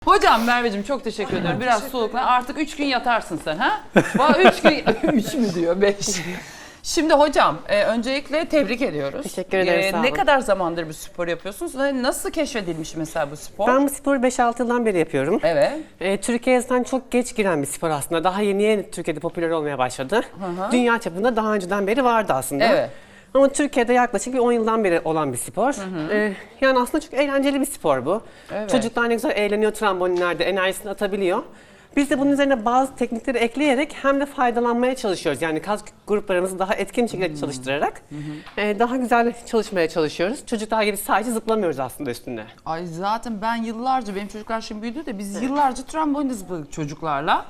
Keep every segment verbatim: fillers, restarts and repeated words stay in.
Hocam Merveciğim çok teşekkür ederim. Biraz soluklan. Artık üç gün yatarsın sen ha? Valla üç gün, üç mü diyor, beş. Şimdi hocam e, öncelikle tebrik ediyoruz. Teşekkür ederim, E, sağ olun. Ne kadar zamandır bu spor yapıyorsunuz? Ve nasıl keşfedilmiş mesela bu spor? Ben bu sporu beş altı yıldan beri yapıyorum. Evet. E, Türkiye'ye zaten çok geç giren bir spor aslında. Daha yeni yeni Türkiye'de popüler olmaya başladı. hı. Dünya çapında daha önceden beri vardı aslında. Evet. Ama Türkiye'de yaklaşık bir on yıldan beri olan bir spor. E, yani aslında çok eğlenceli bir spor bu. Evet. Çocuklar ne güzel eğleniyor trambolinlerde, enerjisini atabiliyor. Biz de bunun üzerine bazı teknikleri ekleyerek hem de faydalanmaya çalışıyoruz. Yani kas gruplarımızı daha etkin bir şekilde çalıştırarak e, daha güzel çalışmaya çalışıyoruz. Çocuklar gibi sadece zıplamıyoruz aslında üstünde. Ay zaten ben yıllarca, benim çocuklar şimdi büyüdü de biz yıllarca trambolinde zıpladık çocuklarla.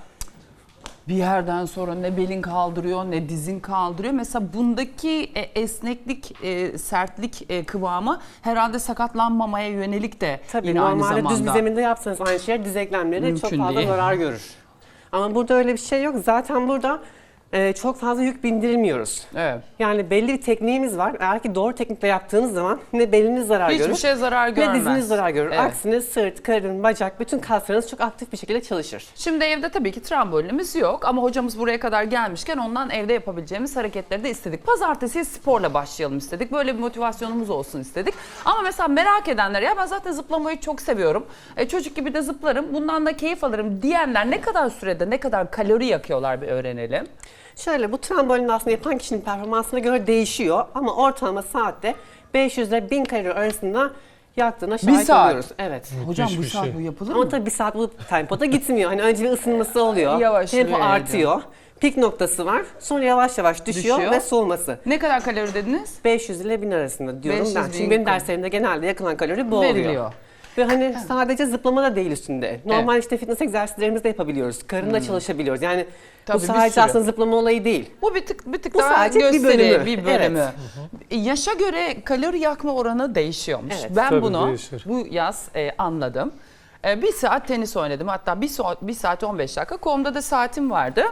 Bir yerden sonra ne belin kaldırıyor ne dizin kaldırıyor. Mesela bundaki e, esneklik, e, sertlik e, kıvamı herhalde sakatlanmamaya yönelik de Tabii yine aynı normalde zamanda. düz bir zeminde yapsanız aynı şey diz eklemleri Mümkün çok fazla değil. zarar görür. Ama burada öyle bir şey yok. Zaten burada e, çok fazla yük bindirmiyoruz. Evet. Yani belli bir tekniğimiz var. Eğer ki doğru teknikle yaptığınız zaman ne beliniz zarar Hiçbir görür şey zarar ne görmez. diziniz zarar görür. Evet. Aksine sırt, karın, bacak bütün kaslarınız çok aktif bir şekilde çalışır. Şimdi evde tabii ki trambolinimiz yok ama hocamız buraya kadar gelmişken ondan evde yapabileceğimiz hareketleri de istedik. Pazartesi sporla başlayalım istedik. Böyle bir motivasyonumuz olsun istedik. Ama mesela merak edenler, ya ben zaten zıplamayı çok seviyorum. E, çocuk gibi de zıplarım, bundan da keyif alırım diyenler ne kadar sürede, ne kadar kalori yakıyorlar bir öğrenelim. Şöyle bu trambolin aslında yapan kişinin performansına göre değişiyor ama ortalama saatte beş yüz ile bin kalori arasında yaktığına şahit saat. oluyoruz. Evet. Hocam bu bir saat şey. bu yapılır Ama mı? tabii bir saat bu tempoda gitmiyor. Hani önce bir ısınması oluyor. Yavaşlıyor Tempo yani. artıyor. Pik noktası var. Sonra yavaş yavaş düşüyor, Düşüyor. ve soğuması. Ne kadar kalori dediniz? beş yüz ile bin arasında diyorum beş yüz ben. bin Çünkü benim kalori. derslerimde genelde yakılan kalori bu oluyor. Veriliyor. Ve hani sadece zıplama da değil üstünde. Normal işte fitness egzersizlerimizi de yapabiliyoruz. Karınla çalışabiliyoruz. Yani Tabii, bu bir sadece sürü. aslında zıplama olayı değil. Bu bir tık bir tık Bu daha sadece bir gösteri, bölümü. bir bölümü. Evet. E, Yaşa göre kalori yakma oranı değişiyormuş. Evet. Ben Tabii bunu değişir. bu yaz e, anladım. E, bir saat tenis oynadım. Hatta bir saat, bir saat on beş dakika. Kolumda da saatim vardı.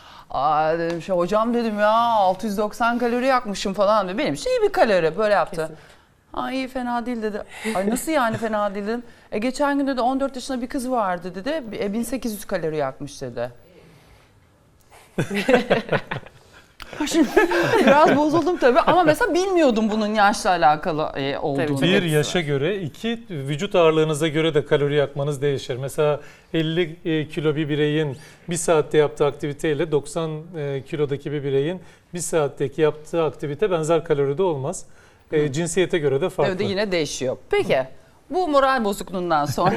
Aa, dedim, şey, hocam dedim ya altı yüz doksan kalori yakmışım falan dedi. Benim için iyi bir kalori, böyle yaptı. Kesin. Ay iyi, fena değil dedi. Ay nasıl yani fena değil dedim. E, geçen gün de on dört yaşında bir kız vardı dedi. E, bin sekiz yüz kalori yakmış dedi. Şimdi biraz bozuldum tabii ama mesela bilmiyordum bunun yaşla alakalı e, olduğunu. Tabii, çok Bir etkisi yaşa göre, iki vücut ağırlığınıza göre de kalori yakmanız değişir. Mesela elli kilo bir bireyin bir saatte yaptığı aktiviteyle doksan kilodaki bir bireyin bir saatteki yaptığı aktivite benzer kaloride olmaz. E, cinsiyete göre de farklı. Evde yine değişiyor. Peki bu moral bozukluğundan sonra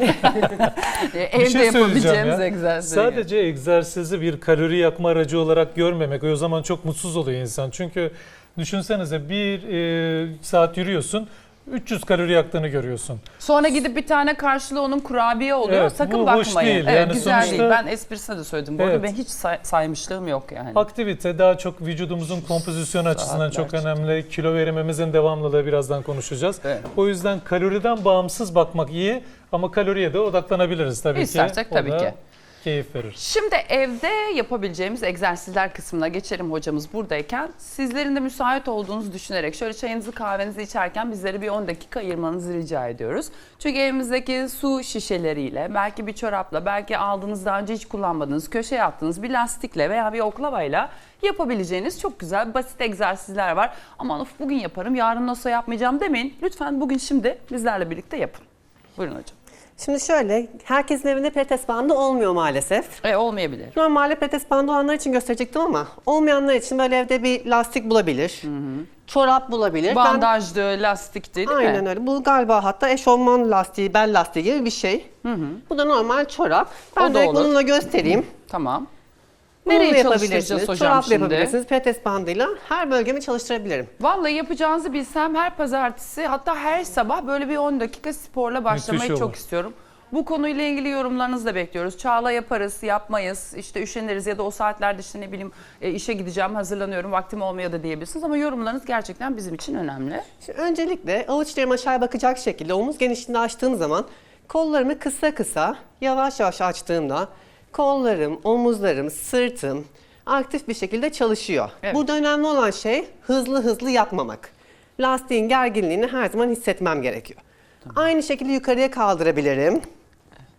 e, Bir evde şey söyleyeceğim yapabileceğimiz ya. egzersizleri. Sadece egzersizi bir kalori yakma aracı olarak görmemek, o zaman çok mutsuz oluyor insan. Çünkü düşünsenize bir e, saat yürüyorsun, üç yüz kalori yaktığını görüyorsun. Sonra gidip bir tane karşılığı onun kurabiye oluyor. Evet, Sakın bu bakmayın. hoş değil. Evet, Yani güzel sonuçta- değil. Ben esprisine de söyledim. Bu arada Evet. ben hiç say- saymışlığım yok yani. Aktivite daha çok vücudumuzun kompozisyonu açısından çok Saatlerce. önemli. Kilo verimimizin devamlılığı birazdan konuşacağız. Evet. O yüzden kaloriden bağımsız bakmak iyi ama kaloriye de odaklanabiliriz tabii İstersek ki. O tabii da ki. keyif verir. Şimdi evde yapabileceğimiz egzersizler kısmına geçelim hocamız buradayken. Sizlerin de müsait olduğunuzu düşünerek şöyle çayınızı kahvenizi içerken bizlere bir on dakika ayırmanızı rica ediyoruz. Çünkü evimizdeki su şişeleriyle, belki bir çorapla, belki aldığınız daha önce hiç kullanmadığınız, köşeye attığınız bir lastikle veya bir oklavayla yapabileceğiniz çok güzel basit egzersizler var. Aman of bugün yaparım, yarın nasıl yapmayacağım demeyin. Lütfen bugün şimdi bizlerle birlikte yapın. Buyurun hocam. Şimdi şöyle, herkesin evinde pilates bandı olmuyor maalesef. E, olmayabilir. Normalde pilates bandı olanlar için gösterecektim ama olmayanlar için böyle evde bir lastik bulabilir. Çorap bulabilir. Ben- Bandajdı, lastikti değil mi? Aynen öyle. Bu galiba hatta eşofman lastiği, bel lastiği gibi bir şey. Bu da normal çorap. Ben O da direkt olur. bununla göstereyim. Tamam. Bununla Nereye yapabilirsiniz. çalıştıracağız hocam Çorapla şimdi? yapabilirsiniz. Pilates bandıyla her bölgemi çalıştırabilirim. Vallahi yapacağınızı bilsem her pazartesi, hatta her sabah böyle bir on dakika sporla başlamayı Müthiş çok olur. istiyorum. Bu konuyla ilgili yorumlarınızı da bekliyoruz. Çağla yaparız, yapmayız, işte üşeniriz ya da o saatlerde işte ne bileyim e, işe gideceğim, hazırlanıyorum, vaktim olmuyor da diyebilirsiniz. Ama yorumlarınız gerçekten bizim için önemli. Şimdi öncelikle avuçlarım aşağı bakacak şekilde omuz genişliğinde açtığım zaman kollarımı kısa kısa yavaş yavaş açtığımda kollarım, omuzlarım, sırtım aktif bir şekilde çalışıyor. Evet. Burada önemli olan şey hızlı hızlı yapmamak. Lastiğin gerginliğini her zaman hissetmem gerekiyor. Aynı şekilde yukarıya kaldırabilirim.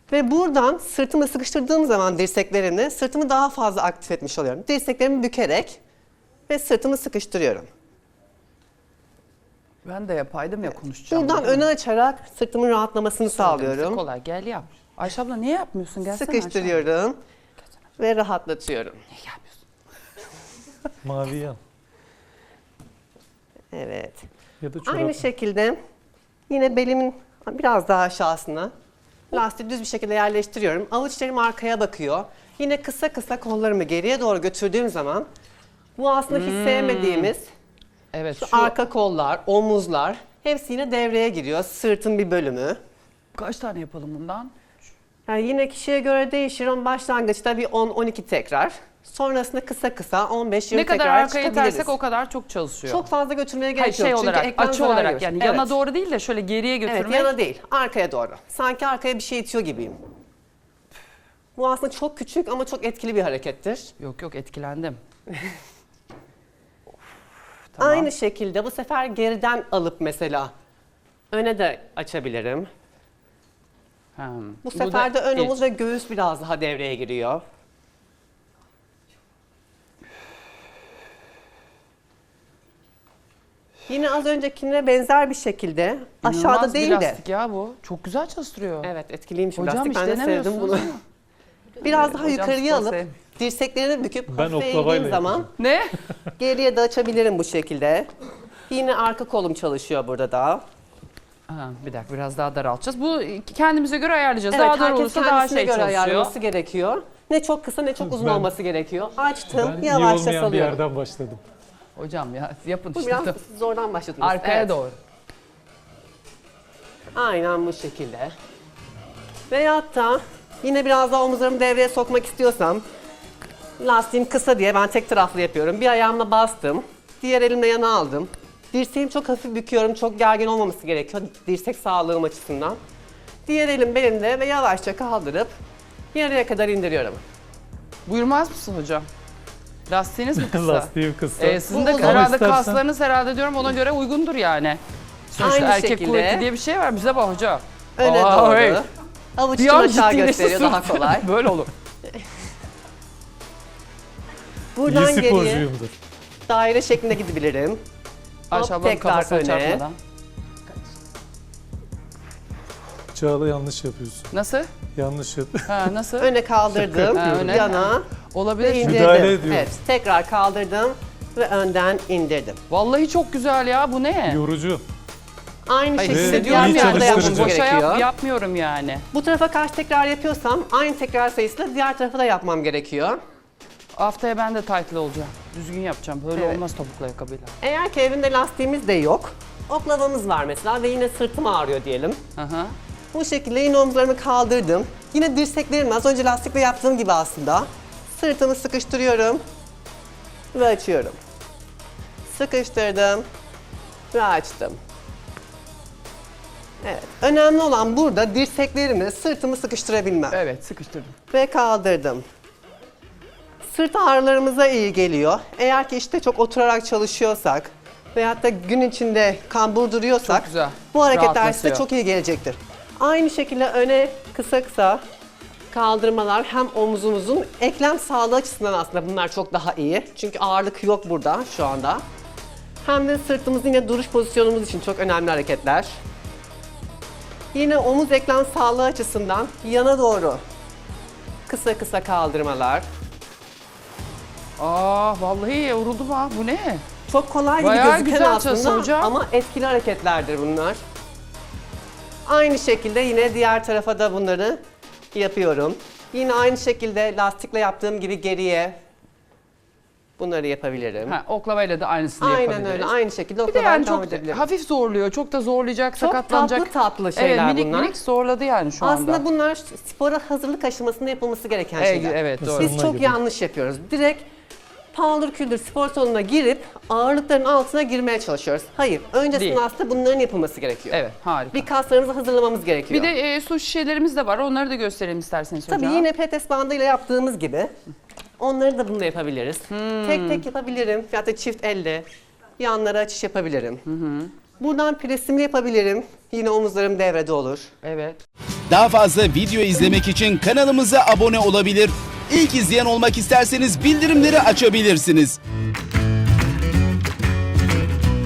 Ve buradan sırtımı sıkıştırdığım zaman dirseklerimle sırtımı daha fazla aktif etmiş oluyorum. Dirseklerimi bükerek ve sırtımı sıkıştırıyorum. Ben de yapaydım ya konuşacağım. Buradan değil mi? öne açarak sırtımın rahatlamasını sağlıyorum. Kolay gel yap. Ayşe abla niye yapmıyorsun? Gelsene Ayşe abla. Sıkıştırıyorum ve rahatlatıyorum. Niye yapmıyorsun? Mavi yan. Evet. Ya da çorap. Aynı şekilde yine belimin biraz daha aşağısına lastiği düz bir şekilde yerleştiriyorum. Avuçlarım arkaya bakıyor. Yine kısa kısa kollarımı geriye doğru götürdüğüm zaman bu aslında hiç sevmediğimiz Evet şu şu arka kollar, omuzlar hepsi yine devreye giriyor. Sırtın bir bölümü. kaç tane yapalım bundan? Yani yine kişiye göre değişir ama başlangıçta bir on on iki tekrar. Sonrasında kısa kısa on beş yirmi Ne kadar tekrar arkaya çıkabiliriz. itersek o kadar çok çalışıyor. Çok fazla götürmeye gerek Hayır, şey yok. Çünkü olarak, eklem açı zarar olarak görür. yani Evet. yana doğru değil de şöyle geriye götürmek. Evet, yana değil, arkaya doğru. Sanki arkaya bir şey itiyor gibiyim. Bu aslında çok küçük ama çok etkili bir harekettir. Yok yok etkilendim. Tamam. Aynı şekilde bu sefer geriden alıp mesela öne de açabilirim. Ha, Bu da sefer de ön ilk. omuz ve göğüs biraz daha devreye giriyor. Yine az öncekine benzer bir şekilde aşağıda İnanılmaz bir değil de. lastik ya bu. Çok güzel çalıştırıyor. Evet, etkiliymiş Hocam lastik. hiç Ben de sevdim denemiyorsunuz bunu. değil mi? Biraz daha Hocam yukarıya spor alıp sev- dirseklerini büküp Ben hafif oklavayla eğdiğim zaman yapacağım. Ne? geriye de açabilirim bu şekilde. Yine arka kolum çalışıyor burada da. Ha, bir dakika biraz daha daraltacağız. Bu kendimize göre ayarlayacağız. Evet, daha dar herkes olursa daha kendisine şey göre çalışıyor. ayarlaması gerekiyor. Ne çok kısa ne çok uzun Ben- olması gerekiyor. Açtım, Ben iyi yavaşça olmayan bir salıyorum. yerden başladım. Hocam ya yapın Bu işte. biraz zordan başladınız. Arkaya Evet. doğru. Aynen bu şekilde. Veyahut da yine biraz daha omuzlarımı devreye sokmak istiyorsam lastiğim kısa diye ben tek taraflı yapıyorum. Bir ayağımla bastım, diğer elimle yana aldım. Dirseğimi çok hafif büküyorum, çok gergin olmaması gerekiyor dirsek sağlığım açısından. Diğer elim belimde ve yavaşça kaldırıp yarıya kadar indiriyorum. Buyurmaz mısın hocam? Lastiğiniz mi kısa? Lastiğim kısa. Ee, sizin Bu de uzun. herhalde İstersen- kaslarınız herhalde diyorum ona göre uygundur yani. Sonuçta Aynı erkek şekilde. kuvveti diye bir şey var bize bak hocam. Öne Aa, doğru. hey. Avuç Bir içi an aşağı ciddileşti gösteriyor daha surat. kolay. Böyle olur. Buradan İyi geriye sporcuyumdur. daire şeklinde gidebilirim. Ayşe ablanın tekrar kafasına öne. çarpmadan. Çağla yanlış yapıyorsun. Nasıl? Yanlış yap. Ha, nasıl? Öne kaldırdım, Ha, öne. yana Olabilir. ve çünkü. indirdim. Müdahale ediyorum. Evet, tekrar kaldırdım ve önden indirdim. Vallahi çok güzel ya bu ne? Yorucu. Aynı Hayır, şekilde hissediyorum diğer iyi yani. tarafta yapmamız çalıştırıcı. Boşa gerekiyor. yap, yapmıyorum yani. Bu tarafa kaç tekrar yapıyorsam aynı tekrar sayısıyla diğer tarafa da yapmam gerekiyor. Haftaya ben de taytlı olacağım. Düzgün yapacağım. Böyle Evet. olmaz topuklu ayakkabıyla. Eğer ki evinde lastiğimiz de yok, oklavamız var mesela ve yine sırtım ağrıyor diyelim. Aha. Bu şekilde yine omuzlarımı kaldırdım. Yine dirseklerimi az önce lastikle yaptığım gibi aslında. Sırtımı sıkıştırıyorum ve açıyorum. Sıkıştırdım ve açtım. Evet. Önemli olan burada dirseklerimi, sırtımı sıkıştırabilmem. Evet sıkıştırdım. Ve kaldırdım. Sırt ağrılarımıza iyi geliyor. Eğer ki işte çok oturarak çalışıyorsak veyahut da gün içinde kambur duruyorsak Çok güzel. bu hareketler size Rahatlatıyor. çok iyi gelecektir. Aynı şekilde öne kısa kısa kaldırmalar hem omuzumuzun eklem sağlığı açısından aslında bunlar çok daha iyi. Çünkü ağırlık yok burada şu anda. Hem de sırtımızın yine duruş pozisyonumuz için çok önemli hareketler. Yine omuz eklem sağlığı açısından yana doğru kısa kısa kaldırmalar. Aa vallahi yoruldum ha. Bu ne? Çok kolay gibi Bayağı gözüken güzel çalıştı aslında hocam. ama etkili hareketlerdir bunlar. Aynı şekilde yine diğer tarafa da bunları yapıyorum. Yine aynı şekilde lastikle yaptığım gibi geriye bunları yapabilirim. Ha, oklavayla da aynısını Aynen yapabiliriz. öyle. Aynı şekilde Bir de oklavadan yani devam çok edebilirim. hafif zorluyor. Çok da zorlayacak, Çok sakatlanacak. tatlı tatlı şeyler evet, minik bunlar. minik zorladı yani şu anda. Aslında bunlar spora hazırlık aşamasında yapılması gereken Evet, şeyler. evet doğru. Biz Sonuna çok gibi. yanlış yapıyoruz. Direkt paldır küldür spor salonuna girip ağırlıkların altına girmeye çalışıyoruz. Hayır, öncesinde Değil. aslında bunların yapılması gerekiyor. Evet harika. Bir kaslarımızı hazırlamamız gerekiyor. Bir de e, su şişelerimiz de var. Onları da gösterelim isterseniz hocam. Tabii yine pilates bandıyla yaptığımız gibi onları da bununla yapabiliriz. Tek tek yapabilirim ya da çift elle yanlara açış yapabilirim. Buradan presimi yapabilirim. Yine omuzlarım devrede olur. Evet. Daha fazla video izlemek için kanalımıza abone olabilir. İlk izleyen olmak isterseniz bildirimleri açabilirsiniz.